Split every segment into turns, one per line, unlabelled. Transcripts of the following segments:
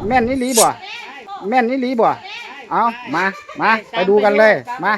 แม่นนี่ลีบ่แม่นนี่ลีบ่เอามาไปดูกันเลยมา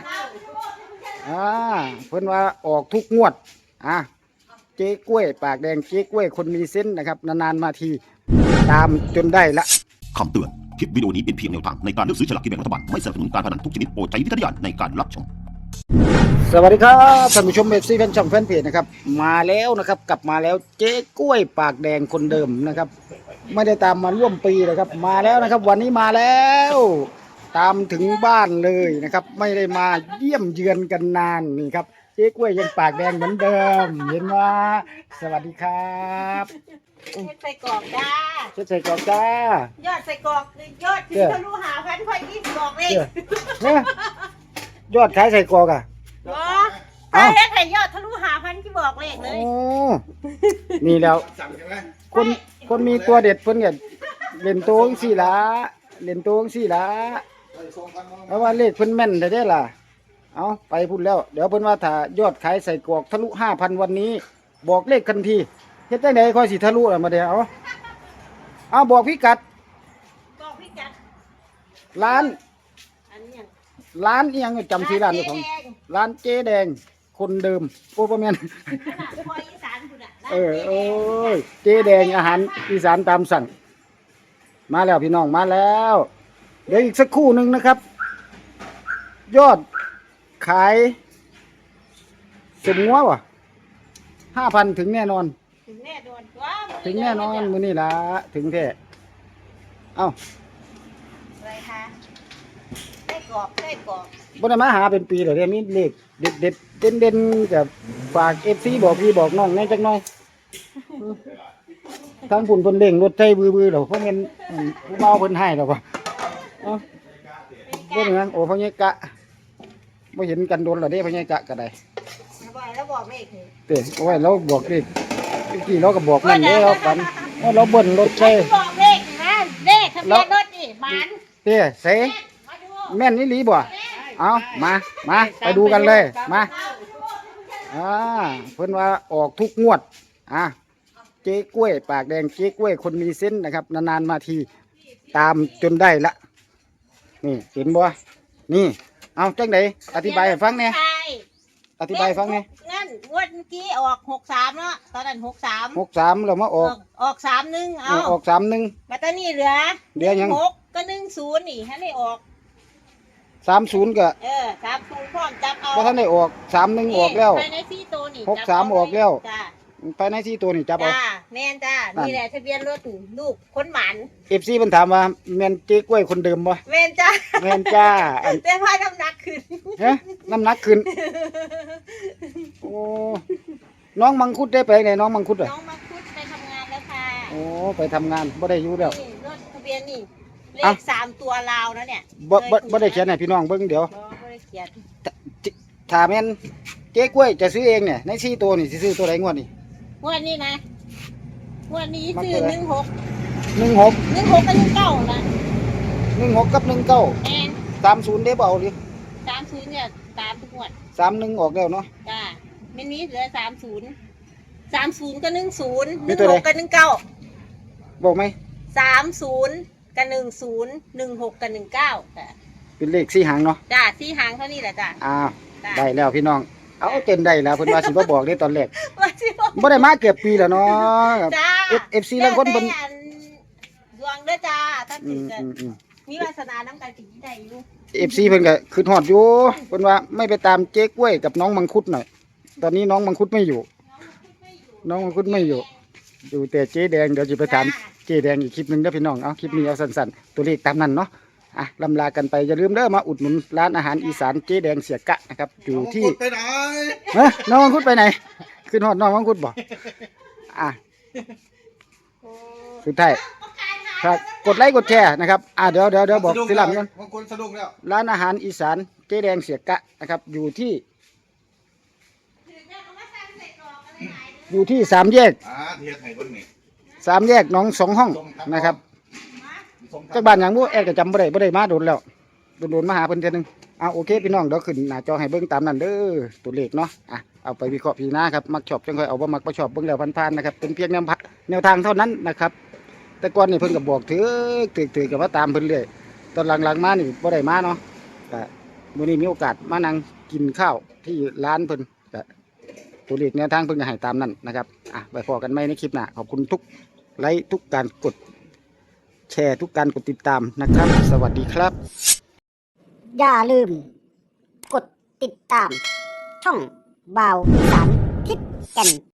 เพิ่นว่าออกทุกงวดเจ๊กล้วยปากแดงเจ๊กล้วยคนมีเส้นนะครับนานๆมาทีตามจนได้ละ
คำเตือนคลิปวิดีโอนี้เป็นเพียงแนวทางในการเลือกซื้อฉลากกินแบ่งรัฐบาลไม่สนับสนุนการพนันทุกชนิดโปรดใช้วิจารณญาณในการรับชม
สวัสดีครับท่านผู้ชมเอฟซีแฟนช่องแฟนเพจนะครับมาแล้วนะครับกลับมาแล้วเจ๊กล้วยปากแดงคนเดิมนะครับไม่ได้ตามมาร่วมปีนะครับมาแล้วนะครับวันนี้มาแล้วตามถึงบ้านเลยนะครับไม่ได้มาเยี่ยมเยือนกันนานนี่ครับเจ๊กล้วยยังปากแดงเหมือนเดิมเห็นว่าสวัสดีครับ
ใส่กรอกจ้า
ใส่กรอกจ้าย
อดใส่กรอกยอดที่ทะลุหาพันค่อยยี่สิบกรอกเลย
ยอดขายใส่กรอกอ่ะ
ใช่แล้วใครยอดทะลุหาพันที่บอกเลขเลย
นี่แล้วคนมีตัวเด็ดเพิ่นเนี่ยเล่นโต้งสี่ละเล่นโต้งสี่ละเพราะว่าเลขเพิ่นแม่นได้ล่ะเอาไปพูดแล้วเดี๋ยวเพิ่นว่าถ้ายอดขายใส่กรอกทะลุ 5,000 วันนี้บอกเลขทันทีเฮ็ดได้ไหนค่อยสิทะลุล่ะมาเดี๋ยวเอาบอกพิกัดร้านอีหยังจำชื่อร้านได้ของร้านเจ๊แดงคนเดิมโอ้ประมาณเจ๊แดงอาหารอีสานตามสั่งมาแล้วพี่น้องมาแล้วเดี๋ยวอีกสักครู่หนึ่งนะครับยอดขายสมงัวว่ะ 5,000 ถึงแน่นอน
ถึงแน่นอน
มื้อนี้ล่ะถึงแท้เอ้า
อะไรคะได้กรอก
บ่ได้มาหาเป็นปีแล้วเด้มีเลขเด็ดเด่นๆกับฝาก FC บอกพี่บอกน้องแน่จักหน่อยทางพุ่นเพิ่นเร่งรถไถบื้อๆแล้วเพราะแม่นผู้เมาเพิ่นให้แล้วบ่เอ้าบ่เหมือนโอ้พ่อใหญ่กะบ่เห็นกันโดนแล้วเด้พ่อใหญ่กะก็ได้
แล้วบอกเลข
เด้โอ้ยเราบอกเลขกี่เราก็บอกนั่นเด้เรากันเราเบิ่นรถใช่
บอกเลขนะเลขทะเบียนรถนี่บ้าน
เด้เสแม่นนี่ลีบ่เอามาไปดูกันเลยมาเพิ่นว่าออกทุกงวดเจ๊กล้วยปากแดงเจ๊กล้วยคนมีเส้นนะครับนานๆมาทีตามจนได้ละนี่เห็นบ่นี่เอาจังไดอธิบายให้ฟังแน่อธิบายฟังไง
งั้นงวดเมื่อกี้ออก63เนาะตอนนั้น
63แล้วมาอ
อก31
ออก31
บัดนี้เหลือ
ยัง
6ก็10นี่ให้ได้ออก
30ก็
30พร้อมจับเอา
บ่ทันได้ออก31ออกแล้ว
ภายใน4ตัวนี่
63ออกแล้ว
จ้า
ภายใน4ตัวนี่จับเอา
จ้าแม่นจ้านี่แหละทะเบียนรถลูกคนหวาน
FC เพิ่นถามว่าแม่นเจ๊กล้วยคนเดิมบ่
แม่นจ้าแต่พาน้ำหนักขึ้น
ฮะน้ำหนักขึ้นโอ้น้องมังคุดได้ไปไหนน้องมังคุด
น้องมังคุดไปทำงานแล้วค่ะ
โอ้ไปทำงานบ่ได้อยู่แล้ว
รถทะเบียนนี่เลข3ตัวลาวนะเนี่ย
บ่ได้เขียนให้พี่น้องเบิ่งเดี๋ยว
บ่ได้เขียน
ถ้าแม่นเจ๊กล้วยจะซื้อเองเนี่ยใน4ตัวนี่สิซื้อตัวไหนงวดนี้
งวดนี้นะงวดนี้ซื้อ16กับ19นะ
16กับ19
แม่น
30ได้บ่เอาดิ
30เนี่ยตามทุกงวด
31ออกแล้วเนาะ
จ้ามันมีเหลือ30กับ10 16กับ19
บอกมั้ย
30กับ10 16กับ19ค่ะ
เป็นเลข4หางเนาะ
จ้า4หางเท่านี้แหละจ้า
ได้แล้วพี่น้องเอาเต็มได้แล้วเพิ่นว่าสิบ่บอกเด้ตอนแรกบ่ได้มาเกือบปีแล้วเนาะ FC ลางคนเพิ่น
ดวงเด้อจ้าถ้าถึงกันมีวาสนานำกันสิได้อยู่
FC เพิ่นก็คิดฮอดอยู่เพิ่นว่าไม่ไปตามเจ๊กล้วยกับน้องมังคุดหน่อยตอนนี้น้องมังคุดไม่อยู่อยู่แต่เจ๊แดงเดี๋ยวสิไปถามเจ๊แดงอีกคลิปนึงเด้อพี่น้องเอาคลิปนี้เอาสั้นๆตัวเลขตามนั้นเนาะลำลากันไปอย่าลืมเด้อมาอุดหนุนร้านอาหารอีสานเจ๊แดงเสียกะนะครับอยู่ที่
ไปไหน
น้องมังคุดไปไหนขึ้นฮอดน้องมังคุดบ่สุดท้ายครับกดไลค์กดแชร์นะครับเดี๋ยวบอกทีหลังกันร้านอาหารอีสานเจ๊แดงเสียกะนะครับอยู่ที่3 แยก3 แยกน้อง2 ห้องนะครับจากบ้านอย่างบ่แอดก็จำบ่ได้มาโดนแล้วโดนมาหาเพิ่นเทื่อนึงโอเคพี่น้องเดี๋ยวขึ้นหน้าจอให้เบิ่งตามนั้นเด้อตัวเลขเนาะเอาไปวิเคราะห์พิจารณาครับมักชอบจังค่อยเอาบ่มักบ่ชอบเบิ่งแล้วผ่านๆนะครับเป็นเพียงแนวทางเท่านั้นนะครับแต่ก่อนนี่เพิ่นก็บอกถือก็มาตามเพิ่นเรื่อยตอนหลังๆมานี่บ่ได้มาเนาะก็มื้อนี้มีโอกาสมานั่งกินข้าวที่ร้านเพิ่นก็ตัวเลขแนวทางเพิ่นก็ให้ตามนั้นนะครับไปพอกันใหม่ในคลิปหน้าขอบคุณทุกไลค์ทุกการกดแชร์ทุกการกดติดตามนะครับ สวัสดีครับ
อย่าลืม กดติดตาม ช่องบ่าวอีสานทิศแก่น